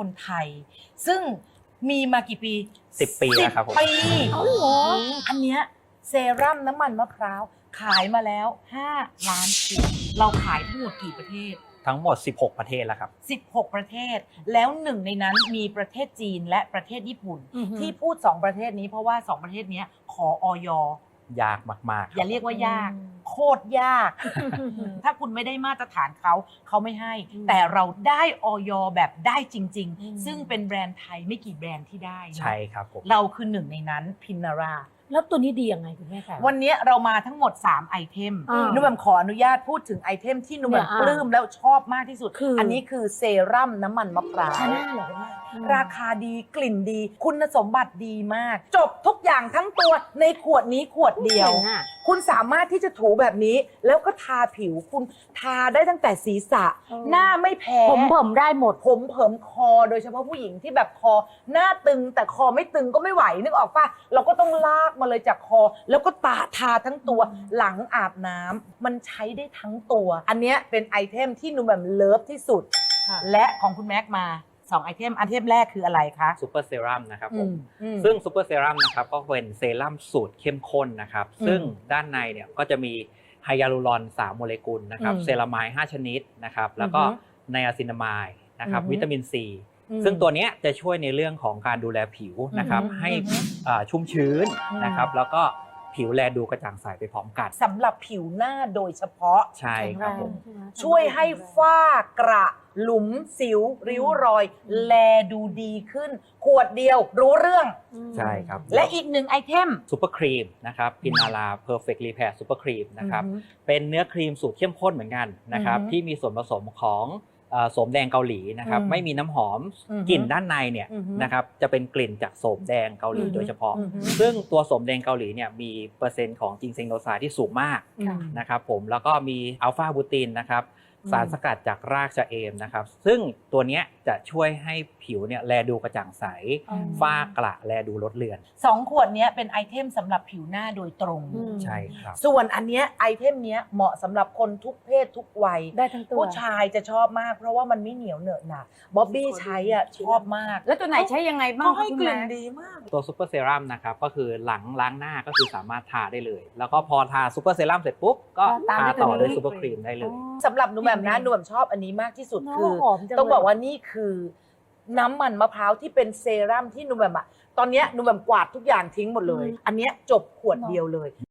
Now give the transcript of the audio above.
คนไทย ซึ่งมีมากี่ปี 10 ปีแล้วครับผม 10 ปีเอาเหรออันเนี้ยเซรั่มน้ำมันมะพร้าวขายมาแล้ว 5 ล้านขวดเราขายทั้งหมดกี่ประเทศทั้งหมด 16 ประเทศแล้วครับ 16 ประเทศ แล้วหนึ่งในนั้นมีประเทศจีนและประเทศญี่ปุ่นอือฮึที่พูด 2 ประเทศนี้เพราะว่า 2 ประเทศนี้ขออยยากมากๆอย่าเรียกว่ายาก โคตรยาก ถ้าคุณไม่ได้มาตรฐานเขาไม่ให้ แต่เราได้อยแบบได้จริง ๆ ซึ่งเป็นแบรนด์ไทยไม่กี่แบรนด์ที่ได้นะใช่ครับผมเราคือหนึ่งในนั้นพินาราแล้วตัวนี้ดียังไงคุณแม่คะวันนี้เรามาทั้งหมด 3 ไอเทมอ่านุ่มแหม่มขออนุญาตพูดถึงไอเทมที่นุ่มแหม่มเนี่ยปลื้มแล้วชอบมากที่สุดคืออันนี้คือเซรั่มน้ำมันมะพร้าวชาแนลเหรอคุณแม่ราคาดีกลิ่นดี คุณสมบัติดีมาก จบทุกอย่างทั้งตัวในขวดนี้ขวดเดียวเจ๋งอะคุณสามารถที่จะถูแบบนี้ แล้วก็ทาผิวคุณทาได้ตั้งแต่ศีรษะ หน้าไม่แพ้ผมได้หมดผมเผิมคอโดยเฉพาะผู้หญิงที่แบบคอหน้าตึงแต่คอไม่ตึงก็ไม่ไหวนึกออกปะเราก็ต้องลากมาเลยจากคอ แล้วก็ทาทั้งตัวหลังอาบน้ำมันใช้ได้ทั้งตัว อันเนี้ยเป็นไอเทมที่หนูแบบเลิฟที่สุดค่ะและของคุณแม็กมา2 ไอเทมแรกคืออะไรคะซูเปอร์เซรั่มนะครับผมอืมซึ่งซูเปอร์เซรั่มนะครับก็เป็นเซรั่มสูตรเข้มข้นนะครับอืมซึ่งด้านในเนี่ยก็จะมีไฮยาลูรอน 3 โมเลกุลนะครับอืมเซรามาย5 ชนิดนะครับ แล้วก็อือฮึไนอาซินามายนะครับอือฮึวิตามินซีอืมซึ่งตัวเนี้ยจะช่วยในเรื่องของการดูแลผิวนะครับอือฮึให้อือฮึชุ่มชื้นอืมนะครับ แล้วก็ผิวแลดูกระจ่างใสไปพร้อมกันสำหรับผิวหน้าโดยเฉพาะใช่ครับผมช่วยให้ฝ้ากระหลุมสิว ริ้วรอย แลดูดีขึ้น ขวดเดียวรู้เรื่องใช่ครับและอีก1 ไอเทมซูเปอร์ครีมนะครับพินาราเพอร์เฟกต์รีแพร์ซูเปอร์ครีมนะครับอือฮึเป็นเนื้อครีมสูตรเข้มข้นเหมือนกันนะครับอือฮึที่มีส่วนผสมของโสมแดงเกาหลีนะครับอืมไม่มีน้ำหอมอือฮึกลิ่นด้านในเนี่ยอือฮึนะครับจะเป็นกลิ่นจากโสมแดงเกาหลีอือฮึโดยเฉพาะอือฮึซึ่งตัวโสมแดงเกาหลีเนี่ยมีเปอร์เซ็นต์ของจิงเซงโนไซด์ที่สูงมากค่ะนะครับผมแล้วก็มีอัลฟาบูตินนะครับอืมสารสกัดจากรากชะเอมนะครับ ซึ่งตัวเนี้ยจะช่วยให้ผิวเนี่ยแลดูกระจ่างใสอืมฝ้ากระแลดูลดเลือน 2 ขวดเนี้ยเป็นไอเทมสำหรับผิวหน้าโดยตรงอืมใช่ครับส่วนอันเนี้ยไอเทมเนี้ยเหมาะสำหรับคนทุกเพศทุกวัยได้ทั้งตัวผู้ชายจะชอบมากเพราะว่ามันไม่เหนียวเหนอะหนะบ๊อบบี้ใช้อ่ะชอบมากแล้วตัวไหนใช้ยังไงบ้างเขาให้คุณกลิ่นแม่ดีมากตัวซูเปอร์เซรั่มนะครับก็คือหลังล้างหน้าก็คือสามารถทาได้เลย แล้วก็พอทาซูเปอร์เซรั่มเสร็จปุ๊บก็ตามทาด้วยต่อตัวนี้ด้วยซูเปอร์ครีมได้เลยสำหรับหนูแบบนะหนูแบบชอบอันนี้มากที่สุดเนอะคือหอมจังเลยต้องบอกว่านี่คือน้ำมันมะพร้าวที่เป็นเซรั่มที่หนูแบบอะตอนเนี้ยหนูแบบกวาดทุกอย่างทิ้งหมดเลย อันเนี้ยจบขวดเดียวเลย